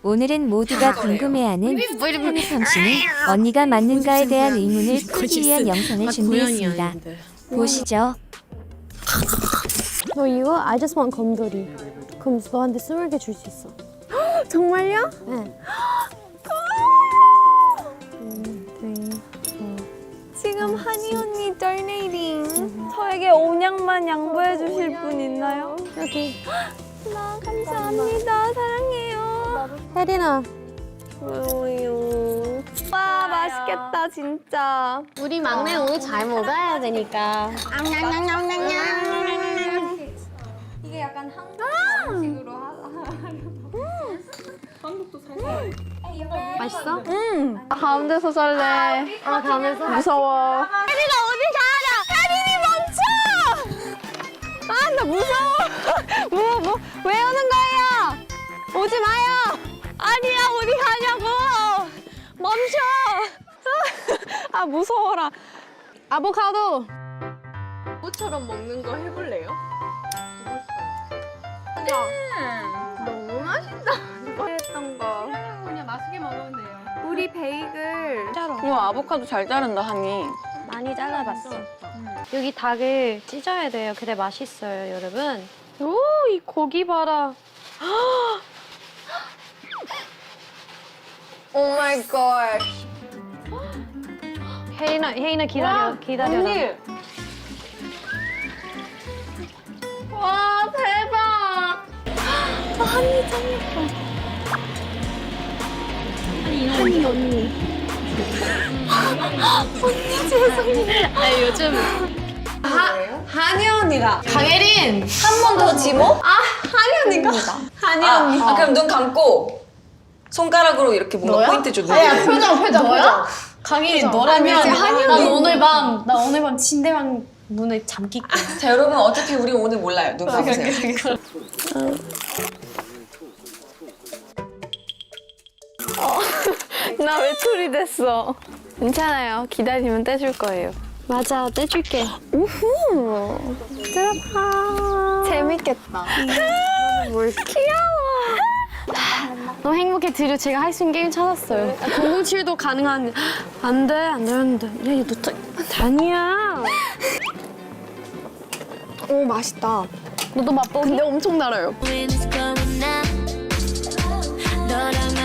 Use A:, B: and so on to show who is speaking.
A: 오늘은 모두가 궁금해하는 한희성 씨는 언니가 맞는가에 대한 의문을 풀기 위한 영상을 준비했습니다. 보시죠.
B: 너 이거 I just want 곰돌이. 그럼 너한테 20개 줄 수 있어.
C: 정말요?
B: 네.
C: 지금 한이 언니 donating. 저에게 온양만 양보해 주실 분 있나요?
B: 여기.
C: 나 감사합니다. 사랑해요.
B: 혜린아.
C: 고마워요. 와 맛있겠다 진짜.
B: 우리 막내 오늘 잘 먹어야 되니까.
C: 이게 약간 한국 음식으로
B: 맛있어?
C: 가운데서 살래.
B: 가면서.
C: 무서워. 혜린아 어디 가냐? 혜린이 멈춰! 아 나 무서워. 왜 오는 거예요? 오지 마요. 아니야 어디 가냐고. 멈춰. 아 무서워라. 아보카도.
D: 꽃처럼 먹는 거 해볼래요?
C: 너무 맛있다. 했던 거.
D: 그냥 맛있게 먹으면 돼요.
C: 우리 베이글.
D: 우와 아보카도 잘 자른다 하니.
B: 많이 잘라봤어. 여기 닭을 찢어야 돼요. 그래 맛있어요, 여러분. 오, 이 고기 봐라.
D: 오 마이 갓.
B: 혜인아 기다려, 기다려.
D: 언니. 와 대박. 한이 언니가.
E: 강혜린!
D: 한 번 더 지모? 아 한이 언니가. 한이 언니.
E: 아, 그럼 눈 감고 손가락으로 이렇게 뭔가 포인트 줘.
D: 표정.
E: 너야?
D: 강혜린
E: 너라면
D: 난 오늘 밤 침대방 문을 잠길 거야.
E: 자 여러분 어차피 우리 오늘 몰라요. 눈 감으세요.
C: 나 외톨이 됐어. 괜찮아요. 기다리면 떼줄 거예요.
B: 맞아, 떼줄게.
C: 우후. 재밌겠다. 귀여워.
B: 너무 행복해. 드디어 제가 할 수 있는 게임 찾았어요. 007도 가능한. 안 돼. 야, 너 다니야.
C: 오 맛있다.
B: 너도 맛보기.
C: 근데 엄청 달아요.
F: When it's going up, 너랑